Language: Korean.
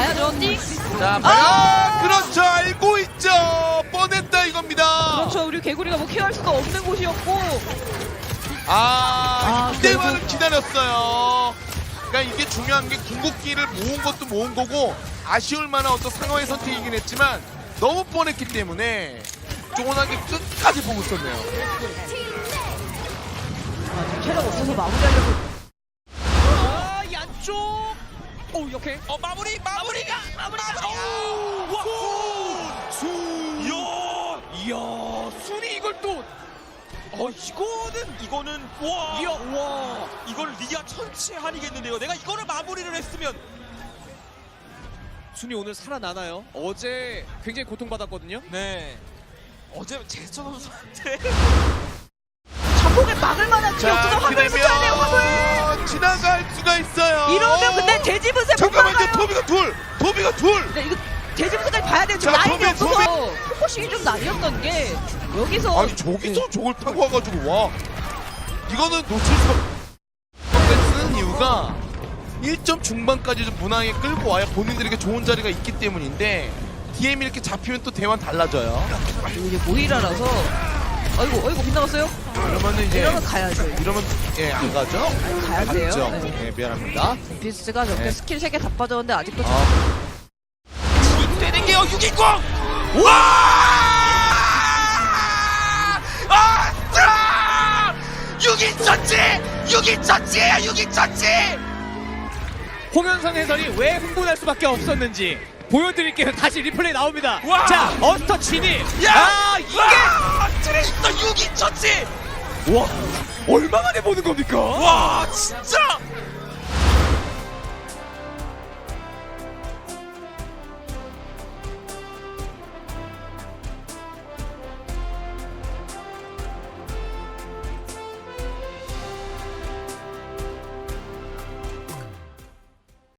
가야죠. 띵. 자, 과연 그렇죠. 알고 있죠. 뻔했다 이겁니다. 그렇죠. 우리 개구리가 뭐 케어할 수도 없는 곳이었고. 이때만을 기다렸어요. 그러니까 이게 중요한 게 궁극기를 모은 것도 모은 거고 아쉬울 만한 어떤 상황의 선택이긴 했지만 너무 뻔했기 때문에 쪼곤하게 끝까지 보고 있었네요. 지금 체력 없어서 마무리하려고. 양쪽. 오 이렇게. 마무리가. 이야 순이 이걸 또. 이거는 와 이걸 리아 천치한이겠는데요. 내가 이거를 마무리를 했으면 순이 오늘 살아나나요? 어제 굉장히 고통받았거든요. 네 어제 제스처 선수한테 자폭을 막을 만한 게 없어서 화물 붙여야 돼요. 화물. 지나갈 수가 있어요. 이러면 근데 돼지분쇄 못 잠깐만요. 막아요. 도비가 둘. 네, 이거 돼지분쇄까지 봐야 돼요. 지금 자, 라인이 도비, 없어서 포커싱이 좀 나뉘었던 게 여기서 아니 저기서 저걸 타고 와가지고 와. 이거는 놓칠 수 쓰는 이유가 1점 중반까지 좀 무난하게 끌고 와야 본인들에게 좋은 자리가 있기 때문인데 DM이 이렇게 잡히면 또 대만 달라져요. 그리고 이제 모이라라서 어이구 빗나갔어요? 이러면은 이제 이러면 가야죠. 이러면 안 가죠? 가야 돼요. 맞죠? 네. 네, 미안합니다. 비스가 저렇게 네. 스킬 3개 다 빠졌는데 아직도 되는 게요. 6인공 와! 아! 6인 천치예요. 6인 천치. 홍현성 해설이 왜 흥분할 수밖에 없었는지 보여드릴게요. 다시 리플레이 나옵니다. 와! 자 어스터 진입. 이게 트레이서 6인 천치. 와 얼마 만에 보는 겁니까? 와 진짜